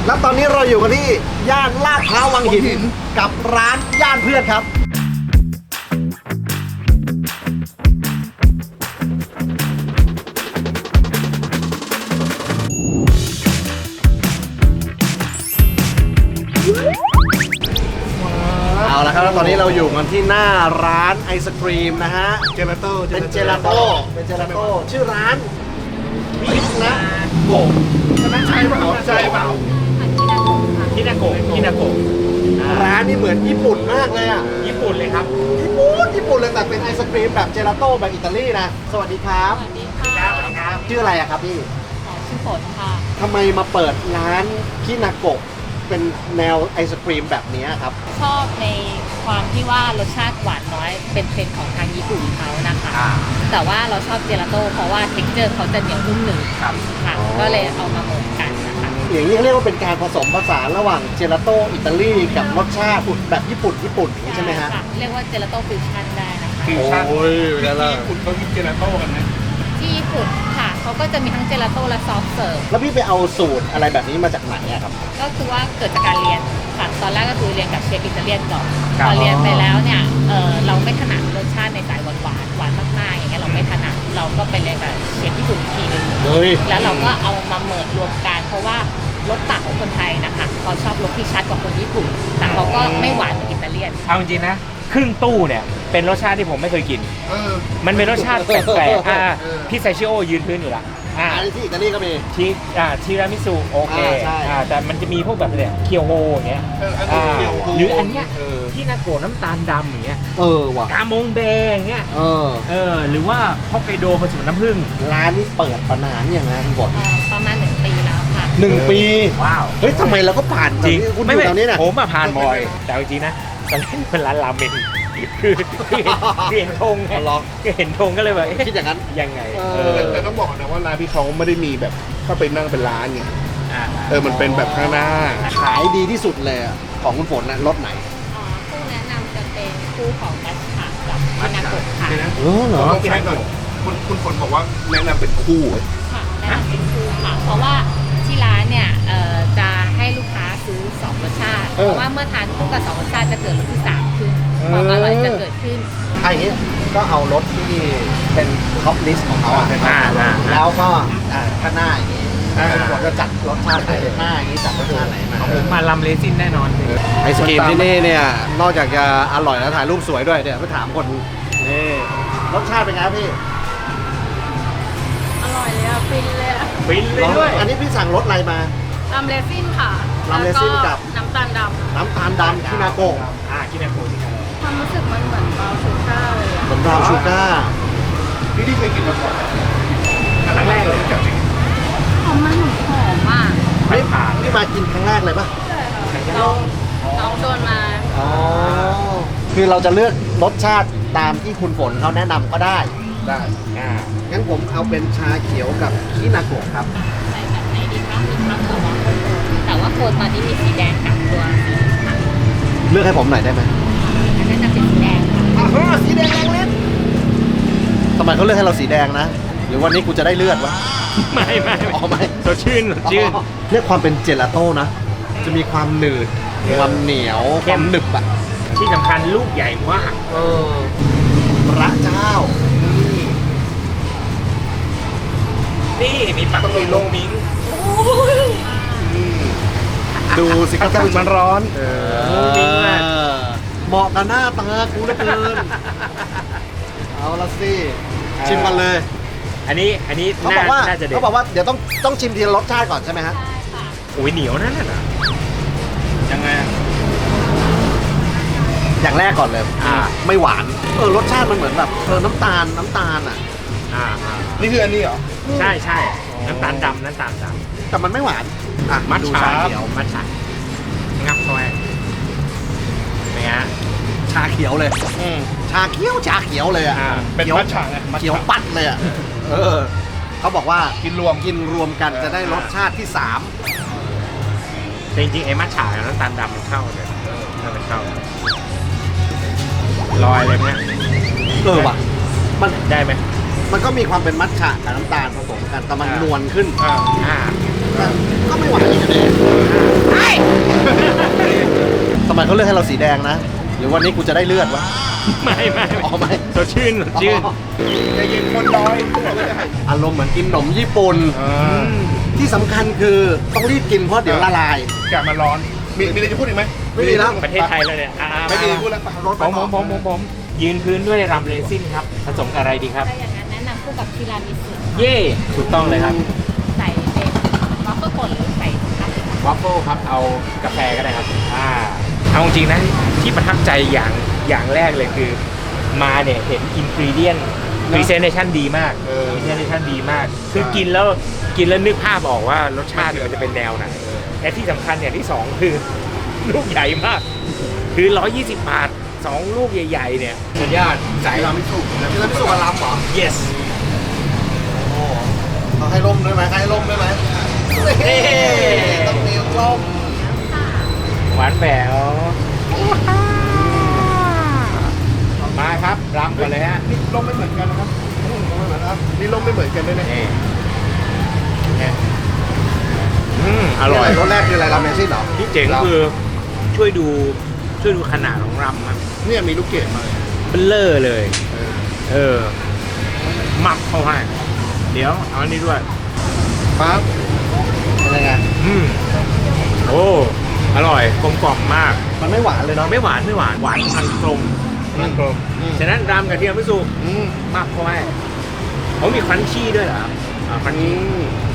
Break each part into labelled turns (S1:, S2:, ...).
S1: แล้วตอนนี้เราอยู่กันที่ย่านลาดพร้าววังหินกับร้านย่านเพื่อนครับเอาละครับแล้วตอนนี้เราอยู่กันที่หน้าร้านไอศครีมนะฮะเป็นเจลาโต้ชื่อร้านพิษนะโกะใช่เปล่า
S2: ฮินาโกะ
S1: ร้านนี่เหมือนญี่ปุ่นมากเลยอ่ะ
S2: ญี่ปุ่นเลยครับ
S1: ญี่ปุ่นเลยแต่เป็นไอศครีมแบบเจลาโต้แบบอิตาลีนะสวัสดีครับ
S3: สวัสดีค่ะ
S1: ชื่ออะไรอะครับพี่
S3: ชื่อฝนค่ะ
S1: ทำไมมาเปิดร้านคินาโกะเป็นแนวไอศครีมแบบนี้ครับ
S3: ชอบในความที่ว่ารสชาติหวานน้อยเป็นเทรนด์ของทางญี่ปุ่นเขานะคะ แต่ว่าเราชอบเจลาโต้เพราะว่าเท็กเจอร์เขาจะเหนียวนุ่มหนึบค่ะก็เลยเอามาเหมือนกันนะคะ
S1: อย่างนี้เรียกว่าเป็นการผสมผสานระหว่างเจลาโต้อิตาลีกับรสชาติแบบญี่ปุ่นอย่างนี้ใช่ไหมฮะ
S3: เรียกว่าเจลาโต้ฟิวชั่นได้นะคะ
S2: ฟิวชั่น
S1: โอ้ย
S2: ที่ญี่ปุ่นเขามีเจลาโต้กันไหม
S3: ที่ญี่ปุ่นค่ะเขาก็จะมีทั้งเจลาโต้และซอฟต์เสิร์ฟ
S1: แล้วพี่ไปเอาสูตรอะไรแบบนี้มาจากไหนอะครับ
S3: ก็คือว่าเกิดจากการเรียนค่ะตอนแรกก็คือเรียนกับเชฟอิตาเลียนก่อนพอเรียนไปแล้วเนี่ยเราไม่ถนัดรสชาติในสายหวานมากๆอย่างเงี้ยเราไม่ถนัดเราก็ไปเรียนกับเชฟญี่ปุ่นอีกทีนึง แล้วเราก็เอามาเมิร์รวมกันเพราะว่ารสต่างของคนไทยนะคะเขาชอบรสที่ชัดกว่าคนญี่ปุ่นแต่เขาก็ไม่หวานเหมือนอิตาเลียน
S2: เอาจริงๆนะครึ่งตู้เนี่ยเป็นรสชาติที่ผมไม่เคยกินมันเป็นรสชาติแปลกๆพี่ไซชิโอยืนพื้นอยู่ละ
S1: อันนี้ที่อิตาลีก็มี
S2: ทีรามิสุโอเค
S1: ใช่
S2: แต่มันจะมีพวกแบบเนี่ยเคียวโฮอย่างเงี้ยหรืออันเนี้ยที่นาโกะน้ำตาลดำอย่างเงี้ย
S1: ว่ะ
S2: กามงเบอย่างเงี้ยหรือว่าฮอกไกโดผสมน้ำผึ้ง
S1: ร้านนี้เปิดมานานยังไงคุณบด
S3: ประมาณ1 ปีแล้วค่ะ
S1: 1 ปี
S2: ว้าว
S1: เฮ้ยทำไมเราก็ผ่าน
S2: จริง
S1: คุณอยู่แถวนี้นะ
S2: ผมมาผ่านบ่อยแต่จริงๆนะตอนแรกเป็นร้านราเมงคือเห็นธงไงเห็นธงก็เลยแบบ
S1: คิดอย่างนั้น
S2: ยังไง
S4: แต่ต้องบอกนะว่าร้านที่เขาไม่ได้มีแบบเข้าไปนั่งเป็นร้านไงมันเป็นแบบข้างหน้า
S1: ขายดีที่สุดเลยของคุณฝนนะรถไหน
S3: คู่แนะนำจะเป็นคู่ของมัชฉะกับมินาโกะค่ะ
S1: เหรอ
S4: ใช่ก่อนคุณฝนบอกว่าแนะนำเป็นคู่
S3: ค่ะแนะนำเป็นคู่ค่ะเพราะว่าที่ร้านเนี่ยจะให้ลูกค้าซื้อ2 รสชาติเพราะว่าเมื่อทานคู่กับ2 รสชาติจะเกิดรสที่3ขึ้นความอร่อยจะเกิดขึ้น
S1: อย่างนี้ก็เอารถที่เป็นท็อปลิสต์ของเขาแล้วก็ข้างหน้าอย่างนี้ผมจะจัดรสชาติหน้าอย่างนี้จัดรสชาติไหนมา
S2: ผมมาลำเลซินแน่นอน
S1: ไอศกรีมที่นี่เนี่ยนอกจากจะอร่อยแล้วถ่ายรูปสวยด้วยเดี๋ยวไปถามคนนี่รสชาติเป็นไงครับพี่
S3: อร่อยเลยอะฟินเลยอะ
S2: ฟินเลยด้วย
S1: อันนี้พี่สั่งรสอะไรมา
S3: ลำเลซินค่ะ
S1: ลำเลซินกับ
S3: น้ำตาลด
S1: ำคินาโกะ
S2: คินาโกะ
S3: ความรู้สึกมันเหมือนบราวน์ชูก้าเลยอะ
S1: เหมือนบราวน์ชูก้า
S4: พี่ที่เคยกินมาก่อน
S2: ครั้งแรกเลยจริง
S3: มันหอมมาก
S1: ไม่ผ่านนี่มากินครั้งแรกเลยป่ะ
S3: ใช่ค่ะน้องชวนมา
S1: คือเราจะเลือกรสชาติตามที่คุณฝนเขาแนะนำก็ได้งั้นผมเอาเป็นชาเขียวกับคินาโกะครับ
S3: ใส่แบบไหนดีคะมีทั้งตัวแต่ว่าโคนตอนนี้มีสีแดงกับตัวสีขาว
S1: เลือกให้ผมหน่อยได้ไหม
S3: อันนั้นจะเป็นสีแดงค่ะ
S1: สีแดงแรงเล่นทำไมเขาเลือกให้เราสีแดงนะหรือวันนี้กูจะได้เลือดวะ
S2: ไม่สดชื่น
S1: เรียกความเป็นเจลาโต้นะจะมีความหนืดความเหนียวความหนึบอ่ะ
S2: ที่สำคัญลูกใหญ่มาก
S1: พระเจ้า
S2: นี่มีปักมีลงมิง
S1: ดูสิครับ
S4: มันร้อน
S2: มิงมาก
S1: เหมาะกับหน้าตากูเหลือเกินเอาละสิชิมกันเลย
S2: อันนี้
S1: เขาบอกว่าเดี๋ยวต้องชิมทีละรสชาติก่อนใช่ไหมฮะ
S2: โอ้ยเหนียวนั่นน่ะ
S4: ยังไง
S1: อย่างแรกก่อนเลยไม่หวานรสชาติมันเหมือนแบบน้ำตาลอ่ะ
S4: นี่คืออันนี้เหรอ
S2: ใช่น้ำตาลดำ
S1: แต่มันไม่หวาน
S2: มัทฉะเขียวมัทฉะงับเข้าไปเป็นไง
S1: ชาเขียวเลยชาเขียวเลยอ่ะ
S4: เป็นมัทฉะ
S1: เขียวปัดเลยอ่ะเขาบอกว่ากินรวมกันจะได้รสชาติที่
S2: 3จริงๆไอ้มัทฉะกับน้ำตาลดำมันเข้าเลยมันเข้าลอยเลยเนี่ย
S1: ว่ะมัน
S2: ได้ไหม
S1: มันก็มีความเป็นมัทฉะกับน้ำตาลผสมกันแต่มันนวลขึ้นก็ไม่หวานอีกเลยทำไมเขาเลือกให้เราสีแดงนะ หรือวันนี้กูจะได้เลือดวะ
S2: ไม่
S1: อ๋อไม่
S2: สดชื่นสดชื่น
S1: อ๋อ
S4: ใจเย็นคนน้อย
S1: อารมณ์เหมือนกินขนมญี่ปุ่น ที่สำคัญคือต้องรีบกินเพราะเดี๋ยวละลาย
S4: กลับมาร้อน มีอะไรจะพูดอีกไหม
S1: ไม่มีแล้ว
S2: ประเทศไทยแล้วเนี่ย
S4: ไม่มีพูดแล้วไปรถ
S2: ผมยืนพื้นด้วยรำเรซินครับ ผสมกับอะไรดีครับ
S3: ถ้าอย่างนั้นแนะนำคู่กับทีรามิสุ
S2: เย่ถูกต้องเลยครับ
S3: ใส่เป็นวัฟเฟิลป่นหรือใส่ทับ
S2: วัฟเฟิลครับ เอากาแฟก็ได้ครับ เอาจริงๆนะ ที่ประทับใจอย่างแรกเลยคือ มาเนี่ยเห็นอินกรีเดียนพรีเซนเทชันดีมากพรีเซนเทชันดีมาก คือกินแล้วนึกภาพออกว่ารสชาติมันจะเป็นแนวไหนและที่สำคัญอย่างที่สองคือลูกใหญ่มาก คือ 120 บาท 2 ลูกใหญ่ๆ เนี่ยสุดยอดใส่
S1: ที่เราไม่สุกที่เราไม่สุกกับลำเหรอ
S2: yes
S1: เขาให้ร่มด้วยไหมให้ร่มด้วยไหมต้องมีร่ม
S2: หวานแหววมาครับรำกันเลยฮะ
S4: นี่ลมไม่เหมือนกันนะครับนี่ลมไม่เหมือนกันด้วยนะ
S2: นี่อร่อย
S1: รสแรกคืออะไรราเมนซิ่นเหรอ
S2: ที่เจ๋งคือช่วยดูขนาดของรำมัน
S4: เนี่ยมีลูกเกดมาเลย
S2: เบลเลอร์เลย หมักเข้าให้เดี๋ยวเอาอันนี้ด้วย
S4: ปั๊บ
S1: เป็นยังไง
S2: โอ้อร่อยกลมกล่อมมาก
S1: มันไม่หวานเลยเนาะ
S2: ไม่หวานหวานทางตรง
S4: นั่นกลม
S2: ฉะนั้นรำกับเทียมไม่สุก
S4: อืม
S2: มากเข้าให้เขามีครันชี่ด้วยเหรอครันชี่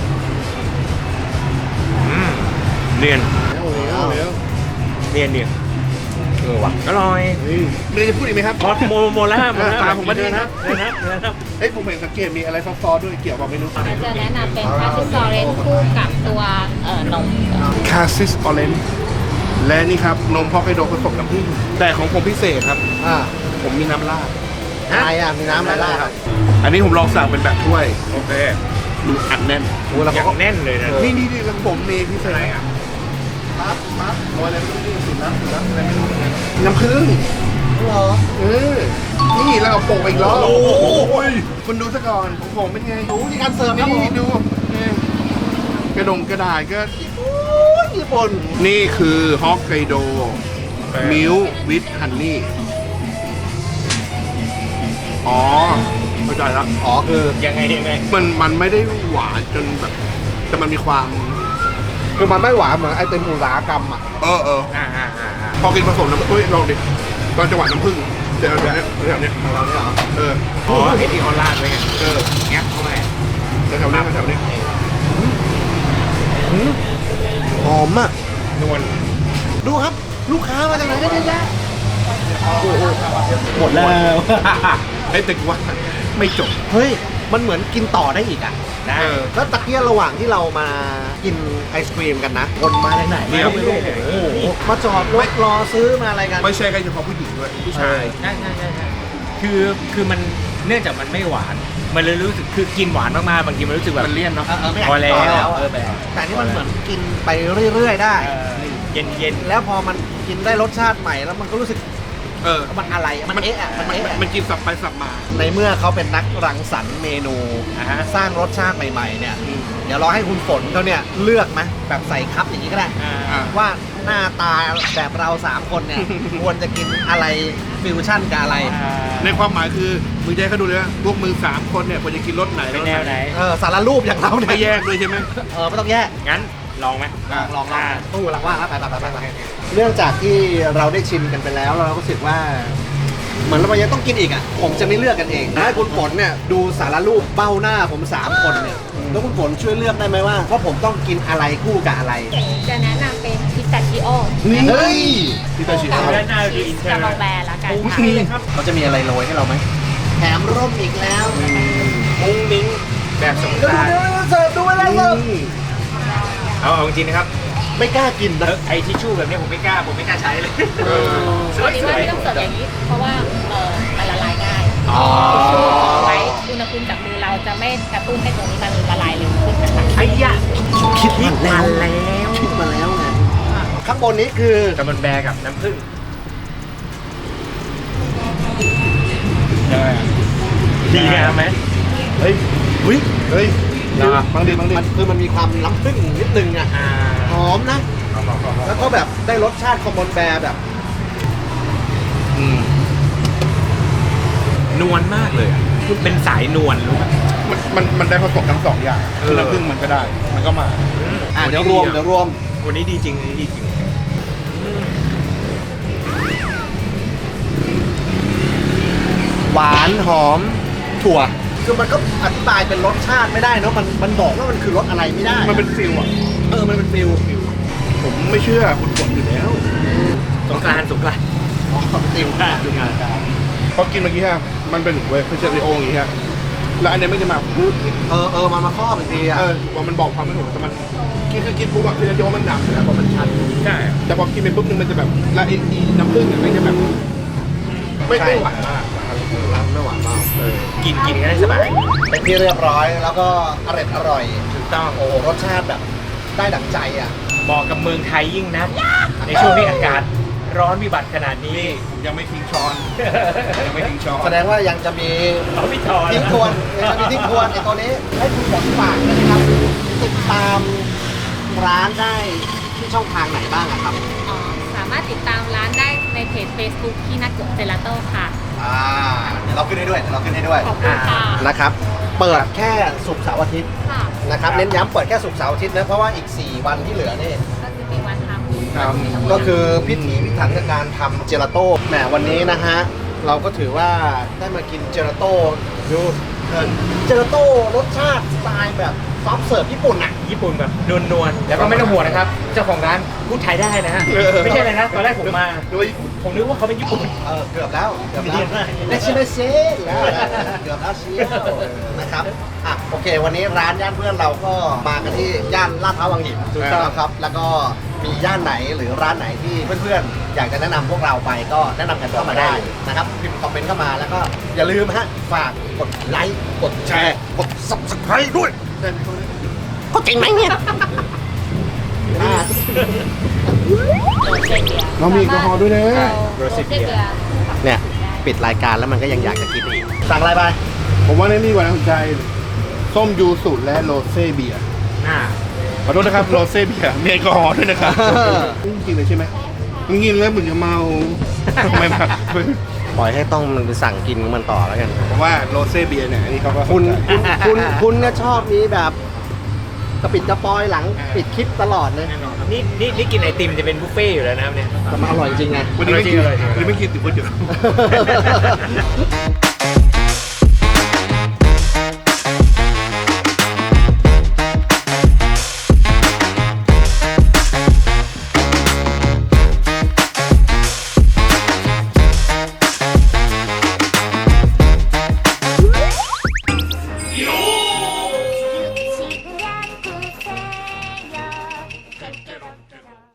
S2: เนียน
S4: เอาแล้ว
S2: เนียนว่ะอร่อย
S4: มีอะไรจะพูดอีกไหมครับ
S2: พอโมแล้ว
S4: ตามผมมาดิ
S2: เดินครับเดินครับ
S4: เอ้ยผมเห็นสังเกตมีอะไรซอสๆด้วยเกี่ยวกับเมนู
S3: จะแนะนำเป็นพาสติซอเรนคู่กับตัวนม
S4: คาซิสออเรนจ์และนี่ครับนมฮอกไกโดผสมน้ำผึ้งแต่ของผมพิเศษครับ ผมมีน้ำราด
S1: อะไรอ่ะมีน้ำอะไรล่ะครับ
S4: อันนี้ผมลองสั่งเป็นแบบถ้วย
S2: โอเค
S4: ดูอัดแน่น
S1: โอ้แล้ว
S2: อ
S1: เขา
S2: ย่าง
S1: ก็
S2: แน่นเลยนะ
S4: นี่แล้วผมมีพิเศษปั๊บโรยอะไรไม่รู้นี่สีน้ำอะไรไม่รู้น้ำผึ้ง
S1: เหรอ
S4: นี่แล้วก็โปะอีกรอบ
S1: โอ้โห
S4: คุณดูซะก่อนของผมเป็นไง
S1: ดูที่การเสิร์ฟครับผม
S4: นี่ดูกระดงกระดาษก็
S1: ญี่ปุ่น
S4: นี่คือฮอกไกโดมิลวิทฮันนี่อ๋อเข้าใจแล้ว
S1: อ๋อคือ
S2: ยังไง
S4: มันไม่ได้หวานจนแบบ แต่มันมีความ
S1: คือมันไม่หวานเหมือนไอติมอุตสาหกรรมอ่ะ
S4: พอกินผสมน้ำลองดิตอนจังหวะน้ำผึ้งเดี๋ยวแบบเนี้ย
S1: เราเนี่ยเหรอ
S2: อ๋อไอ้ที่เขาลาดไว้ไง
S4: แงบเข้าไปแถวๆนี้
S1: หอมอ่ะ
S2: นวล
S1: ดูครับ ลูกค้ามาจากไหนกันเยอะแยะหมดแล้ว
S4: ไอ้ตึกว่าไม่จบ
S1: เฮ้ย มันเหมือนกินต่อได้อีกอ่ะ
S2: ได้
S1: แล้วตะเกียระหว่างที่เรามากินไอศครีมกันนะคนมาจากไหน
S4: เดี๋ยว
S1: ไม่รู้โอ้โหมาจอดรถรอซื้อมาอะไรกัน
S4: ไม่ใช่แค่เฉพาะผู้หญิงด้วยผู้ชาย
S2: ใช่คือมันเนื่องจากมันไม่หวาน มันเลยรู้สึกคือกินหวานมากๆบางทีมันรู้สึกแบบ
S4: มันเลี่ยนเนาะ
S1: ไม่อยาก
S2: พอแล้ว
S1: ต่อ
S2: แบบ
S1: แต่นี่มันเหมือนกินไปเรื่อยๆได้
S2: เย็น
S1: แล้วพอมันกินได้รสชาติใหม่แล้วมันก็รู้สึกมันอะไรอะมันเอ๊ะอะมันเอ๊ะอะ
S4: มันกินสับไปสับมา
S1: ในเมื่อเขาเป็นนักรังสรรค์เมนูสร้างรสชาติใหม่ๆเนี่ย เดี๋ยวเราให้คุณฝนเขาเนี่ยเลือกไหมแบบใส่คัพอย่างนี้ก็ได้ ว่าหน้าตาแบบเรา3คนเนี่ย ควรจะกินอะไรฟิวชั่นกับอะไร
S4: ในความหมายคือมึงจะให้เขาดูเลยว่าพวกมึง3คนเนี่ยควรจะกินรสไหน
S2: เป็นแนวไหน
S1: สารรูปอย่างเราเนี่ย
S4: ไม่แยกด้วยใช่ไหม
S1: ไม่ต้องแยก
S2: งั้นลองไหม
S1: ลองตู้หลังว่างแล้วไปเรื่องจากที่เราได้ชิมกันไปแล้วเราก็รู้สึกว่า เหมือนเรายังต้องกินอีกอ่ะผมจะไม่เลือกกันเองให้คุณฝนเนี่ยดูสารรูปเบ้าหน้าผม3คนเนี่ยแล้วคุณฝนช่วยเลือกได้ไหมว่าผมต้องกินอะไรคู่กับอะไร
S3: จะแนะนำเป็นพิสตาชิโอ
S1: เฮ้ย
S4: ที่ตาชิ
S3: กับ
S2: ด้านหน้าดีอินเทอ
S3: ส
S2: ร์
S3: โลแบร์ละกันค่ะ
S1: เขาจะมีอะไรโรยให้เราไหมแถมร่มอีกแล้ว
S2: มุ้งมิ้งแบบสงกรานต์
S1: เสิร์ฟดูอะไรเสิร์ฟ
S2: เอาจริงนะครับ
S1: ไม่กล้ากินนะ
S2: ไอ้ทิชชู่แบบนี้ผมไม่กล้าใช้เลย
S3: ปกติว่าไม่ต้องเสิร์ฟอย่างนี้ เพราะว่ามันละลายง่าย
S2: อ๋อ
S3: ไว้อุณหภูมิจากมือเราจะไม่กระตุ้นให้ตรงนี้มันละลายเร็วขึ้นนะคะ
S2: ไอ้ยะ
S1: คิดมาแล้วไงข้างบนนี้คือ
S2: กับมันแบร์กับน้ำผึ้งดีงามไหม
S1: เฮ้ย
S4: บางที
S1: มันคือมันมีความล้ำพึ่งนิดนึงอ่ะหอมนะ แล้วก็แบบได้รสชาติคอมมอนแบร์แบบ
S2: นวลมากเลยอะเป็นสายนวลรู้ไหม
S4: มันได้ผสมทั้งสองอย่างคือน้ำผึ้งมันก็ได้ มันก็มา
S1: เดี๋ยวรวม
S2: วันนี้ดีจริงวันนี้ดีจริง
S1: หวานหอมถั่ว คือมันก็อธิบายเป็นรสชาติไม่ได้เนอะมันบอกว่ามันคือรสอะไรไม่ได้
S4: มันเป็นฟิลอ่ะ
S1: มันเป็นฟิล
S4: ผมไม่เชื่อคุณฝนอยู่แล้ว
S2: สงกรานต์
S1: อ๋อฟิล
S4: พอกินเมื่อกี้ฮะมันเป็นเวฟเชอริโออย่างงี้ฮะแล้วอันเนี้ยไม่จะมาปุ๊บ
S1: มันมาครอบอีกทีอ่ะ
S4: ว่ามันบอกความไม่ถูกแต่มันกินปุ๊บแบบเชอริโอมันหนักแล้วพอมันชัด
S2: ใช่
S4: แต่พอกินไปปุ๊บนึงมันจะแบบและไอ้น้ำผึ้งเนี่ยมันจะแบบไม่หวานมาก
S1: ไม่หวานมาก
S2: กินกันได้สบาย
S1: เป็นที่เรียบร้อยแล้วก็อร่อย
S2: ถูกต้อง
S1: โอ้โหรสชาติแบบได้ดั่งใจอ่ะ
S2: เหมาะกับเมืองไทยยิ่งนะในช่วงที่อากาศร้อนวิบัติขนาดนี้
S4: ยังไม่ทิ้งช้อนยังไม่ทิ้งช้อน
S1: แสดงว่ายังจะมี
S2: เขาพี่ทอน
S1: ทิ้งทวนยังจะมีทิ้งทวนไอ้ตัวนี้ให้คุณฝนฝากด้วยนะครับ ติดตามร้านได้ที่ช่องทางไหนบ้างอะครับ
S3: สามารถติดตามร้านได้ในเพจ Facebook ที่นักเกิดเจลาโต้ค่ะ
S1: เดี๋ยวเราขึ้นให้ด้วย
S3: ขอบคุณค่ะ
S1: นะครับ เปิดแค่ศุกร์เสาร์อาทิตย์
S3: ค่ะ
S1: นะครับ เน้นย้ำเปิดแค่ศุกร์เสาร์อาทิตย์นะ เพราะว่าอีก 4 วันที่เหลือนี่
S3: ก็คือมีวันทำ
S4: ครับ
S1: ก็คือพิถีพิถันกับการทำเจลาโต้แหมวันนี้นะฮะ เราก็ถือว่าได้มากินเจลาโต้ดูเจลาโต้รสชาติสไตล์แบบซอฟต์เสิร์ฟญี่ปุ่นอ่ะ
S2: ญี่ปุ่นแบบนวลๆแล้วก็ไม่ต้องห่วงนะครับ เจ้าของร้านพูดไทยได้นะฮะ ไม่ใช่เลยนะ ตอนแรกผมมา
S4: ด้วย
S2: ผมนึกว่าเขาเป็นญี่ปุ่น
S1: เกือบแล้วได้ชิมเซแล้วเกือบแล้วเชียวนะครับโอเค วันนี้ร้านย่านเพื่อนเราก็มากันที่ย่านลาดพร้าววังหิน
S2: ถูกต้อง
S1: ครับ แล้วก็มีย่านไหนหรือร้านไหนที่เพื่อนๆอยากจะแนะนำพวกเราไปก็แนะนำกันเข้ามาได้นะครับพิมพ์คอมเมนต์เข้ามาแล้วก็อย่าลืมฮะฝากกดไลค์กดแชร์กด subscribe ด้วยก็จริงไหมเนี่ย
S4: เรามีแอลกอฮอล์ด้วยนะ
S3: โรเซ่เบียร์
S1: เนี่ยปิดรายการแล้วมันก็ยังอยากจะกินอีกสั่งอะไรไป
S4: ผมว่านี่กว่าน่าสนใจ ส้มยูสุและโรเซ่เบียร์ขอโทษนะครับ โรเซ่เบียร์มีแอลกอฮอล์ด้วยนะครับจริงๆเลยใช่ไหมกินแล้วเหมือนจะเมาทำไมมา
S1: ปล่อยให้ต้องมันไปสั่งกินของมันต่อแล้วกัน
S4: ผมว่าโรเซ่เบียร์เนี่ยอันนี้เขาก็
S1: คุณก็ชอบนี้แบบกระปิดกระปอยหลังปิดคลิปตลอดเลย
S2: นี่กินไอติมจะเป็นบุฟเฟ่ต์อยู่แล้วนะครับเนี่ย
S1: แต่มันอร่อยจริงไง
S4: วันนี้ไม่กิน
S2: อร่อยจริง
S4: วันนี้ไม่กินติดก๋วยเตี๋ยว